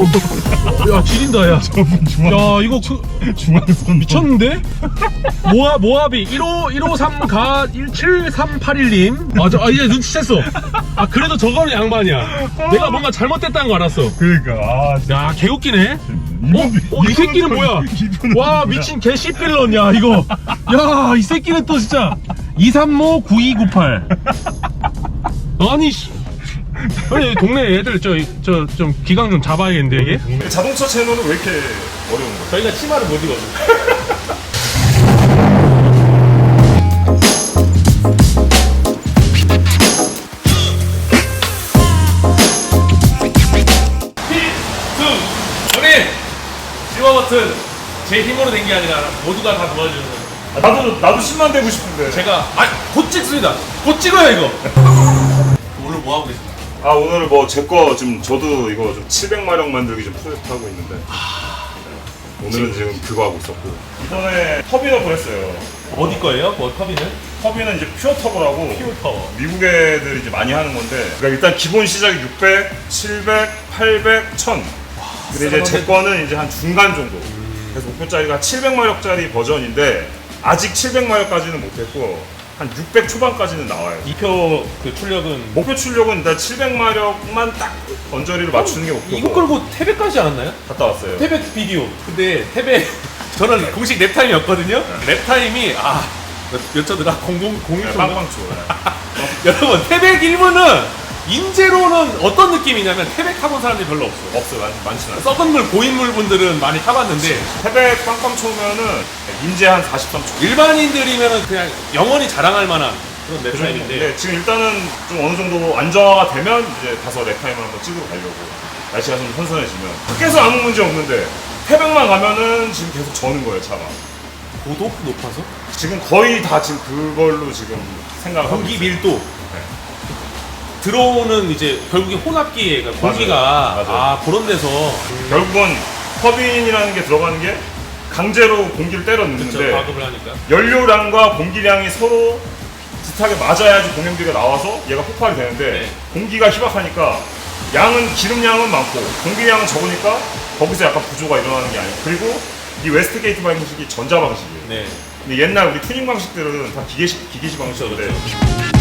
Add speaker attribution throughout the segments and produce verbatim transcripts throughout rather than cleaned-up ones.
Speaker 1: 야 지린다 야.
Speaker 2: 중앙,
Speaker 1: 야 이거 그,
Speaker 2: 중앙선
Speaker 1: 미쳤는데? 모아 모합이 일오 일오삼 가 일칠삼팔일님. 맞아. 아 이제 눈치챘어. 아 그래도 저거는 양반이야. 내가 뭔가 잘못됐다는 거 알았어.
Speaker 2: 그러니까 아 진짜
Speaker 1: 야 개웃기네.
Speaker 2: 이분,
Speaker 1: 어? 어, 이 새끼는 뭐야?
Speaker 2: 이분은
Speaker 1: 와
Speaker 2: 뭐야?
Speaker 1: 미친 개 씨빌런이야 이거. 야 이 새끼는 또 진짜 이삼오 구이구팔. 아니 씨. 아니 동네 애들 저 저 좀 기강 좀 잡아야겠는데 이게.
Speaker 2: 자동차 채널은 왜 이렇게 어려운 거야?
Speaker 1: 저희가 치마를 못 입어서. 필승! 형님! 지워 버튼 제 힘으로 된 게 아니라 모두가 다 도와주는 거예요.
Speaker 2: 아, 나도 나도 십만 되고 싶은데.
Speaker 1: 제가 아, 곧 찍습니다. 곧 찍어요 이거. 오늘 뭐 하고 계십니까?
Speaker 2: 아 오늘 뭐 제 거 지금 저도 이거 좀 칠백 마력 만들기 좀 프로젝트 하고 있는데. 네. 오늘은 지금 그거 하고 있었고. 이번에 터빈업을 했어요.
Speaker 1: 어디 거예요? 뭐 터빈은?
Speaker 2: 터빈은 이제 퓨어 터보라고.
Speaker 1: 퓨어 터보.
Speaker 2: 미국 애들이 이제 많이 하는 건데. 그러니까 일단 기본 시작이 육백, 칠백, 팔백, 천. 근데 이제 제 거는 이제 한 중간 정도. 그래서 목표짜리가 칠백 마력짜리 버전인데 아직 칠백 마력까지는 못했고 한 육백 초반까지는 나와요.
Speaker 1: 이표 그 출력은
Speaker 2: 목표 출력은 일단 칠백 마력만 딱 언저리를 맞추는 게 목표고.
Speaker 1: 이거 끌고 태백까지 않았나요?
Speaker 2: 갔다 왔어요.
Speaker 1: 태백 비디오. 근데 태백 저는 공식 랩 타임이었거든요. 랩 타임이 아 몇 초더라? 공공 공일
Speaker 2: 네,
Speaker 1: 초.
Speaker 2: 빵빵 쳐.
Speaker 1: 여러분 태백 일 부는 인제로는 어떤 느낌이냐면 태백 타본 사람들이 별로 없어요.
Speaker 2: 없어요. 많, 많지는 않아요.
Speaker 1: 썩은 물 고인물 분들은 많이 타봤는데
Speaker 2: 태백 빵빵 초면은 인제 한 사십삼 초.
Speaker 1: 일반인들이면은 그냥 영원히 자랑할 만한 그런 랩 타임인데
Speaker 2: 네, 지금 일단은 좀 어느 정도 안정화가 되면 이제 가서 랩타임을 한번 찍으러 가려고. 날씨가 좀 선선해지면. 밖에서 아무 문제 없는데 태백만 가면은 지금 계속 저는 거예요, 차가.
Speaker 1: 고도 높아서
Speaker 2: 지금 거의 다 지금 그걸로 지금 생각하고
Speaker 1: 공기
Speaker 2: 있어요.
Speaker 1: 밀도 들어오는 이제 결국에 혼합기에 그러니까 공기가
Speaker 2: 맞아요.
Speaker 1: 아 그런 데서
Speaker 2: 결국은 터빈이라는 게 들어가는 게 강제로 공기를 때려 넣는데
Speaker 1: 그쵸, 과급을 하니까
Speaker 2: 연료량과 공기량이 서로 비슷하게 맞아야지 공연비가 나와서 얘가 폭발이 되는데
Speaker 1: 네.
Speaker 2: 공기가 희박하니까 양은 기름량은 많고 공기량은 적으니까 거기서 약간 부조가 일어나는 게 아니에요. 그리고 이 웨스트게이트 방식이 전자 방식이에요.
Speaker 1: 네.
Speaker 2: 근데 옛날 우리 튜닝 방식들은 다 기계식, 기계식 방식인데
Speaker 1: 그렇죠.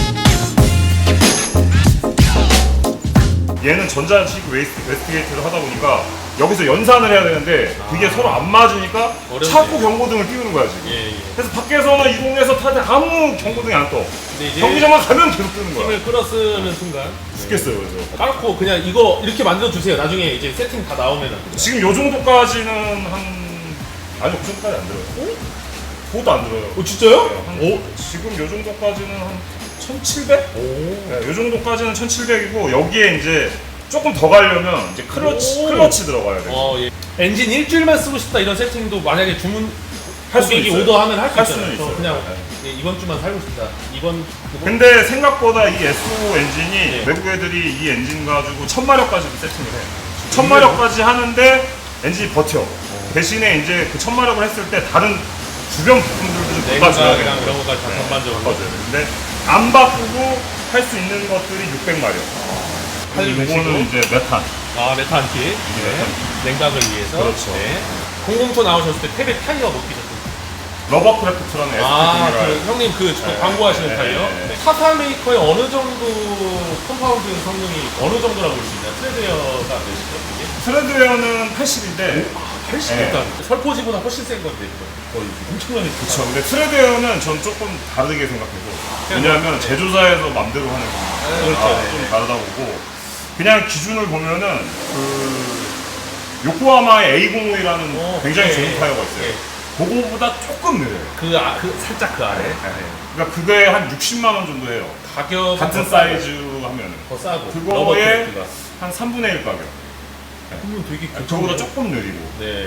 Speaker 2: 얘는 전자식 웨스트, 웨스트게이트를 하다 보니까 여기서 연산을 해야 되는데 그게
Speaker 1: 아.
Speaker 2: 서로 안 맞으니까
Speaker 1: 어렵네요.
Speaker 2: 자꾸 경고등을 띄우는 거야 지금.
Speaker 1: 예, 예.
Speaker 2: 그래서 밖에서는 이동해서 타는데 아무 경고등이 안 떠.
Speaker 1: 근데 이제
Speaker 2: 경기장만 가면 계속 뜨는 거야.
Speaker 1: 힘을 끌어쓰는 순간
Speaker 2: 죽겠어요 그래서.
Speaker 1: 까놓고 그냥 이거 이렇게 만들어 주세요. 나중에 이제 세팅 다 나오면은
Speaker 2: 지금 요 정도까지는 한 아니 그 정도까지 안 들어요.
Speaker 1: 어?
Speaker 2: 그것도 안 들어요.
Speaker 1: 어 진짜요?
Speaker 2: 네, 한,
Speaker 1: 오.
Speaker 2: 지금 요 정도까지는 한 천칠백?
Speaker 1: 오.
Speaker 2: 네, 요 정도까지는 천칠백이고 여기에 이제 조금 더 가려면 이제 클러치,
Speaker 1: 오.
Speaker 2: 클러치 들어가야 돼요.
Speaker 1: 어, 예. 엔진 일주일만 쓰고 싶다 이런 세팅도 만약에 주문
Speaker 2: 할 수는
Speaker 1: 고객이
Speaker 2: 있어요.
Speaker 1: 오더하면 할 수
Speaker 2: 할
Speaker 1: 있잖아요.
Speaker 2: 수는
Speaker 1: 저
Speaker 2: 있어요.
Speaker 1: 그냥
Speaker 2: 네.
Speaker 1: 예, 이번 주만 살고 싶다. 이번 그거-
Speaker 2: 근데 생각보다 이 에스오 엔진이
Speaker 1: 네.
Speaker 2: 외국 애들이 이 엔진 가지고 천마력까지도 세팅을 해. 천마력까지 하는데 엔진이 버텨. 대신에 이제 그 천마력을 했을 때 다른 주변 부품들도 좀 바꿔줘야
Speaker 1: 냉각이랑
Speaker 2: 돼요.
Speaker 1: 이런 것까지 다
Speaker 2: 네,
Speaker 1: 전반적으로
Speaker 2: 바꿔줘야 돼. 근데 안 바꾸고 할 수 있는 것들이 육백 마력.
Speaker 1: 할
Speaker 2: 이거는 이제 메탄.
Speaker 1: 아 메탄키
Speaker 2: 네.
Speaker 1: 네. 냉각을 위해서
Speaker 2: 그렇죠.
Speaker 1: 네. 공공토 나오셨을 때 태백 타이어 못 끼셨어요?
Speaker 2: 러버크래프트라는
Speaker 1: 아,
Speaker 2: 에스피가
Speaker 1: 그 형님 그
Speaker 2: 네,
Speaker 1: 광고하시는
Speaker 2: 네,
Speaker 1: 타이어?
Speaker 2: 네, 네.
Speaker 1: 타타 메이커의 어느 정도 컴파운드 성능이 어느 정도라고 볼 수 있나요? 트레드웨어가 몇이죠? 이게?
Speaker 2: 트레드웨어는 팔십인데
Speaker 1: 팔십
Speaker 2: 네.
Speaker 1: 일단 설포지보다 훨씬 센 건데 이거 거의 엄청나게
Speaker 2: 그렇죠. 근데 트레드웨어는 전 조금 다르게 생각해서 왜냐하면 제조사에서 맘대로 하는 거
Speaker 1: 그렇죠.
Speaker 2: 아,
Speaker 1: 네.
Speaker 2: 좀 다르다 보고 그냥 기준을 보면은 그 요코하마의 에이 공오이라는
Speaker 1: 어,
Speaker 2: 굉장히
Speaker 1: 네.
Speaker 2: 좋은 타이어가 있어요.
Speaker 1: 네.
Speaker 2: 그거보다 조금 느려요.
Speaker 1: 그, 아, 그 살짝 그 아래
Speaker 2: 그러니까 그게 한 육십만 원 정도 해요.
Speaker 1: 가격
Speaker 2: 같은 사이즈 하면은
Speaker 1: 더 싸고
Speaker 2: 그거에
Speaker 1: 러버크래프트가.
Speaker 2: 한 삼분의 일 가격.
Speaker 1: 그러면 되게
Speaker 2: 저보다 조금 느리고.
Speaker 1: 네.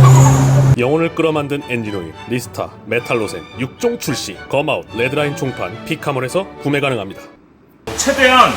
Speaker 3: 영혼을 끌어만든 엔진오일, 리스타, 메탈로센, 육 종 출시, 검아웃, 레드라인 총판, 피카몰에서 구매 가능합니다.
Speaker 2: 최대한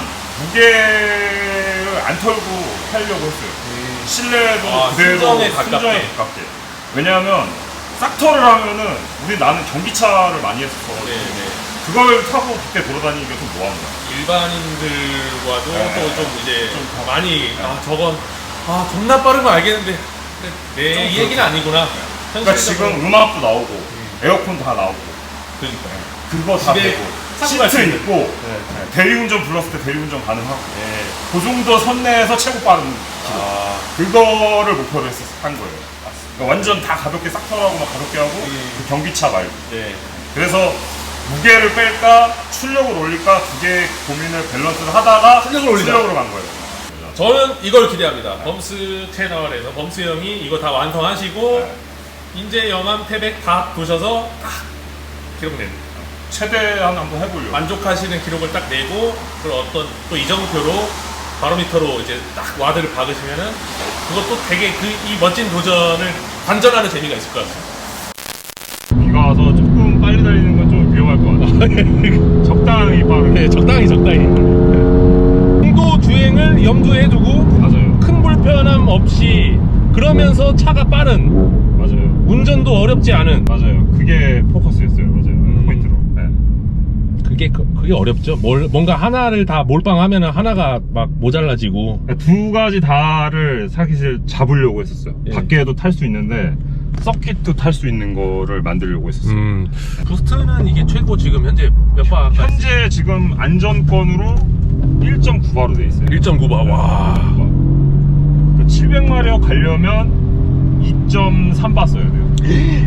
Speaker 2: 무게를 안 털고 하려고 했어요. 실내도
Speaker 1: 아,
Speaker 2: 그대로
Speaker 1: 순정에 가깝게.
Speaker 2: 순정에 가깝게. 왜냐하면 싹터를 하면은 우리 나는 전기차를 많이 했었어.
Speaker 1: 네, 네.
Speaker 2: 그걸 타고 그때 돌아다니기가 좀 뭐한 거야.
Speaker 1: 일반인들과도
Speaker 2: 네.
Speaker 1: 또 좀 이제
Speaker 2: 좀 더-
Speaker 1: 많이 아 저건
Speaker 3: 아 존나 빠른 거 알겠는데 네, 이 얘기는 아니구나.
Speaker 2: 그러니까 지금 음악도 나오고 에어컨 다 나오고
Speaker 3: 그러니까
Speaker 2: 그거 다
Speaker 3: 집에
Speaker 2: 되고
Speaker 3: 사고 갈수
Speaker 2: 시트
Speaker 3: 있는.
Speaker 2: 있고 네, 대리운전 불렀을 때 대리운전 가능하고 그 정도 선내에서 최고 빠른 기록
Speaker 3: 아,
Speaker 2: 그거를 목표로 했었 한 거예요. 그러니까 완전 다 가볍게 싹 털어하고 막 가볍게 하고 그 경기차 말고
Speaker 3: 네.
Speaker 2: 그래서 무게를 뺄까 출력을 올릴까 두 개의 고민을 밸런스를 하다가
Speaker 3: 출력을 올리자.
Speaker 2: 출력으로 간 거예요.
Speaker 3: 저는 이걸 기대합니다. 범스 채널에서 범스 형이 이거 다 완성하시고
Speaker 2: 네.
Speaker 3: 인제 영암 태백 다 도셔서 딱 기록 내는
Speaker 2: 최대한 한번 해보려고.
Speaker 3: 만족하시는 기록을 딱 내고 그걸 어떤 또 이정표로 바로미터로 이제 딱 와드를 박으시면은 그것도 되게 그 이 멋진 도전을 관전하는 재미가 있을 것 같아요.
Speaker 2: 비가 와서 조금 빨리 달리는 건 좀 위험할 것 같아요. 적당히 빠르게.
Speaker 3: 네, 적당히 적당히. 정도 주행을 염두에 두고
Speaker 2: 맞아요.
Speaker 3: 큰 불편함 없이 그러면서 차가 빠른
Speaker 2: 맞아요.
Speaker 3: 운전도 어렵지 않은
Speaker 2: 맞아요. 그게 포커스였어요. 맞아요.
Speaker 3: 음.
Speaker 2: 포인트로. 네.
Speaker 3: 그게 그- 그게 어렵죠. 뭘 뭔가 하나를 다 몰빵하면은 하나가 막 모자라지고
Speaker 2: 그러니까 두 가지 다를 사실 잡으려고 했었어요.
Speaker 3: 예.
Speaker 2: 밖에도 탈 수 있는데 서킷도 탈 수 있는 거를 만들려고 했었어요.
Speaker 3: 음. 부스트는 이게 최고 지금 현재 몇 바?
Speaker 2: 현재 지금 안전권으로 일 점 구 바로 돼 있어요.
Speaker 3: 일 점 구 바. 와.
Speaker 2: 그 칠백 마력 가려면 이 점 삼 바 써야 돼요.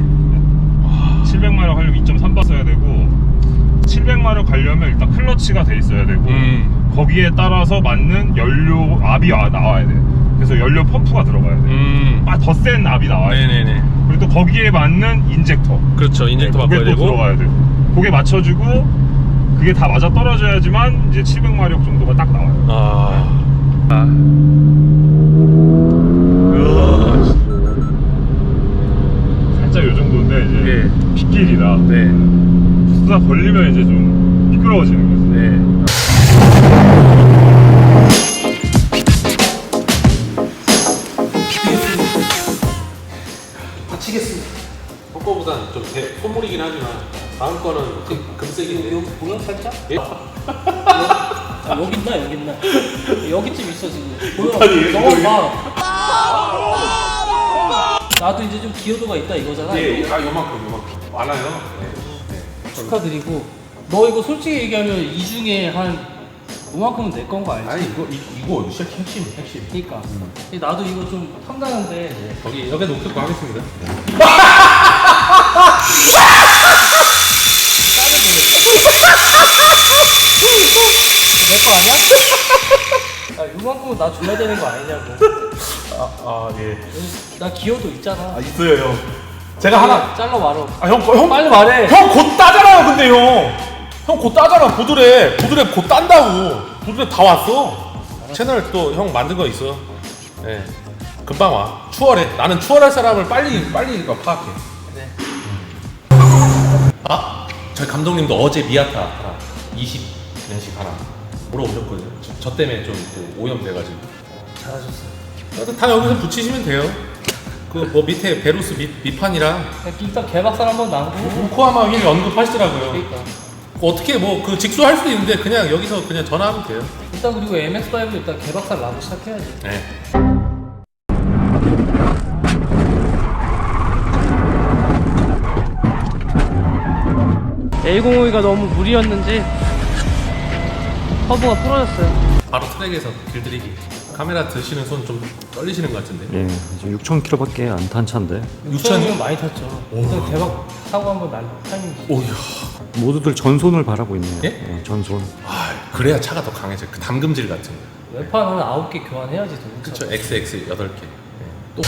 Speaker 2: 칠백 마력 하려면 이 점 삼 바 써야 되고 칠백 마력 가려면 일단 클러치가 돼 있어야 되고
Speaker 3: 음.
Speaker 2: 거기에 따라서 맞는 연료 압이 와- 나와야 돼. 그래서 연료 펌프가 들어가야 돼.
Speaker 3: 음.
Speaker 2: 더 센 압이 나와야 돼.
Speaker 3: 네네네.
Speaker 2: 그리고 또 거기에 맞는 인젝터.
Speaker 3: 그렇죠. 인젝터
Speaker 2: 그게
Speaker 3: 바꿔야
Speaker 2: 또
Speaker 3: 되고.
Speaker 2: 들어가야 되고. 그게 맞춰주고 그게 다 맞아 떨어져야지만 이제 칠백 마력 정도가 딱 나와요.
Speaker 3: 아. 아.
Speaker 2: 살짝 요 정도인데 이제
Speaker 3: 예.
Speaker 2: 빗길이라
Speaker 3: 네.
Speaker 2: 수다 걸리면 이제 좀 미끄러워지는 거죠.
Speaker 3: 네. 다치겠습니다. 헛거보단 좀 대, 소물이긴 하지만 다음 거는 금, 금색인데.
Speaker 4: 여기 보여 살짝?
Speaker 3: 예?
Speaker 4: 아, 여기 있나 여기 있나? 여기쯤 있어 지금. 보여?
Speaker 3: 못하니,
Speaker 4: 너가
Speaker 3: 여기.
Speaker 4: 봐. 나도 이제 좀 기여도가 있다 이거잖아.
Speaker 3: 예,
Speaker 4: 이거.
Speaker 3: 아 요만큼 요만큼 많아요. 네.
Speaker 4: 축하드리고. 너 이거 솔직히 얘기하면 이 중에 한 요만큼은 내 건 거 알지?
Speaker 3: 아니 이거 이, 이거 진짜 핵심 핵심.
Speaker 4: 그러니까. 나도 이거 좀 탐나는데.
Speaker 3: 거기 여기 놓고 하겠습니다.
Speaker 4: 내 거 아니야? 아, 요만큼은 나 줘야 되는 거 아니냐고.
Speaker 3: 아, 아 예.
Speaker 4: 나 기여도 있잖아.
Speaker 3: 있어요 형. 제가 하나.
Speaker 4: 잘라 말어.
Speaker 3: 아 형, 형
Speaker 4: 빨리 말해.
Speaker 3: 형 곧 따잖아요 근데 형. 형 곧 따잖아 보드랩. 보드랩 곧 딴다고. 보드랩 다 왔어. 채널 또 형 만든 거 있어. 예. 금방 와. 추월해. 나는 추월할 사람을 빨리 빨리 파악해.
Speaker 4: 네.
Speaker 3: 아, 저희 감독님도 어제 미아타 하나 이십 년씩 하나 물어보셨거든요. 저, 저 때문에 좀 그 오염돼가지고.
Speaker 4: 잘하셨어요.
Speaker 3: 그래도 다 여기서 붙이시면 돼요. 그 뭐 밑에 베루스 밑, 밑판이랑
Speaker 4: 일단 개박살 한번 나고.
Speaker 3: 우코하마 휠 언급하시더라고요.
Speaker 4: 그러니까.
Speaker 3: 어떻게 뭐 그 직수할 수도 있는데 그냥 여기서 그냥 전화하면 돼요.
Speaker 4: 일단 그리고 엠엑스오도 일단 개박살 나고 시작해야지.
Speaker 3: 네.
Speaker 4: 에이 공오이가 너무 무리였는지 허브가 부러졌어요.
Speaker 3: 바로 트랙에서 길들이기. 카메라 드시는 손 좀 떨리시는 것 같은데.
Speaker 5: 예, 지금 육천 킬로미터밖에 안 탄 차인데
Speaker 4: 육천이면 많이 탔죠. 일단 대박 사고 한번 날 타임이지.
Speaker 3: 오야.
Speaker 5: 모두들 전손을 바라고 있네요.
Speaker 3: 예?
Speaker 5: 예, 전손.
Speaker 3: 아, 그래야 차가 더 강해져. 그 담금질 같은 거.
Speaker 4: 외판은 아홉 개 교환해야지 도
Speaker 3: 그쵸. 엑스엑스 여덟 개. 또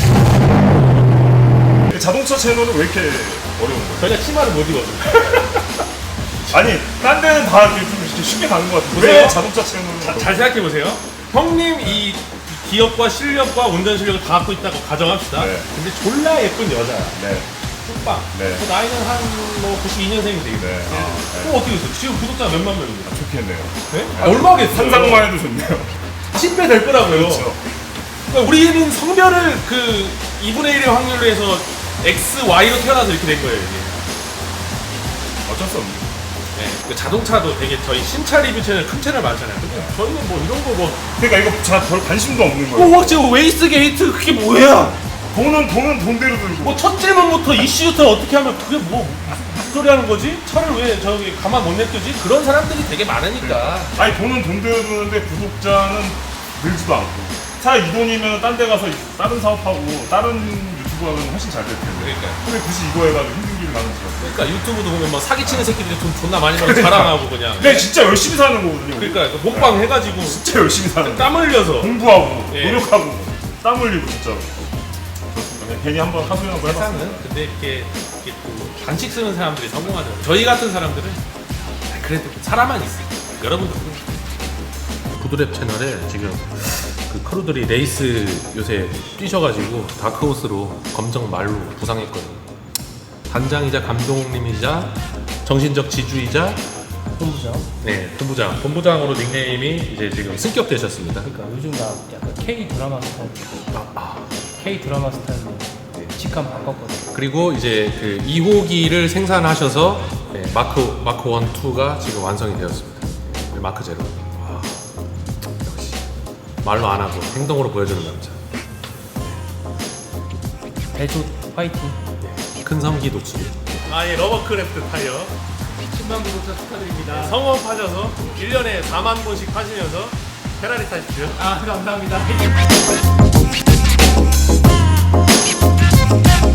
Speaker 2: 자동차 채널은 왜 이렇게 어려운 거예요?
Speaker 3: 저희가 치마를 못 입어요.
Speaker 2: 아니 딴 데는 다 이렇게 좀 이렇게 쉽게 가는 것 같은데
Speaker 3: 보세요.
Speaker 2: 왜 자동차 채널은
Speaker 3: 자, 잘 생각해 보세요. 형님 이 기억과 실력과 운전 실력을 다 갖고 있다고 가정합시다.
Speaker 2: 네.
Speaker 3: 근데 졸라 예쁜 여자야.
Speaker 2: 네.
Speaker 3: 뚝방.
Speaker 2: 네.
Speaker 3: 그 나이는 한뭐 구십이 년생이 되겠네.
Speaker 2: 네. 아, 네.
Speaker 3: 그럼 어떻게 됐어? 지금 구독자 몇만 명입니다.
Speaker 2: 좋겠네요.
Speaker 3: 네? 아, 얼마겠어요?
Speaker 2: 상상만 해도 좋네요.
Speaker 3: 십 배 될 거라고요.
Speaker 2: 그렇죠.
Speaker 3: 그러니까 우리는 성별을 그 이분의 일의 확률로 해서 X, Y로 태어나서 이렇게 된 거예요. 이게.
Speaker 2: 어쩔 수 없네요.
Speaker 3: 네, 그 자동차도 되게 저희 신차 리뷰 채널 큰 채널 많잖아요. 근데 저희는 뭐 이런 거뭐
Speaker 2: 그러니까 이거 잘 별 관심도 없는 거예요.
Speaker 3: 뭐 지금 웨이스 게이트 그게 뭐야?
Speaker 2: 돈은 돈은 돈대로 들고.
Speaker 3: 뭐 첫 질문부터 이슈부터 어떻게 하면 그게 뭐 무슨 소리 하는 거지? 차를 왜 저기 가만 못 냅두지? 그런 사람들이 되게 많으니까.
Speaker 2: 아니 돈은 돈대로 드는데 구독자는 늘지도 않고. 차 이 돈이면 딴 데 가서 다른 사업하고 다른 유튜브 하면 훨씬 잘 될 텐데.
Speaker 3: 그러니까.
Speaker 2: 근데 굳이 이거 해가지고 힘든 길을 나는 거죠.
Speaker 3: 그러니까 유튜브도 보면 뭐 사기치는 새끼들이 돈 존나 많이 벌어 자랑하고 그냥.
Speaker 2: 근데 진짜 열심히 사는 거거든요.
Speaker 3: 그러니까 그 먹방 해가지고
Speaker 2: 진짜 열심히 사는 거.
Speaker 3: 땀 흘려서.
Speaker 2: 공부하고
Speaker 3: 예.
Speaker 2: 노력하고 땀 흘리고 진짜로. 그냥 괜히 한번 하소연 한번 해봤어요.
Speaker 3: 세상은 근데 이렇게, 이렇게 또 반칙 쓰는 사람들이 성공하죠. 저희 같은 사람들은 그래도 사람만 있어요. 여러분도 구드랩 채널에 지금 그 크루들이 레이스 요새 뛰셔가지고 다크호스로 검정 말로 부상했거든요. 단장이자 감독님이자 정신적 지주이자
Speaker 4: 본부장.
Speaker 3: 네 본부장 본부장으로 닉네임이 이제 지금 승격되셨습니다.
Speaker 4: 그러니까 요즘 나 약간 K 드라마 스타일. K 드라마 스타일로 직감 바꿨거든.
Speaker 3: 그리고 이제 그 이 호기를 생산하셔서 네, 마크 마크 일, 이가 지금 완성이 되었습니다. 네, 마크 제로. 와, 역시 말로 안 하고 행동으로 보여주는 남자.
Speaker 4: 배조 화이팅.
Speaker 3: 큰 섬기 독수리. 아예 러버크래프트 타이어.
Speaker 4: 십만 구독자 축하드립니다.
Speaker 3: 성업하셔서 일 년에 사만 번씩 파시면서 페라리 타십시오.
Speaker 4: 아 감사합니다.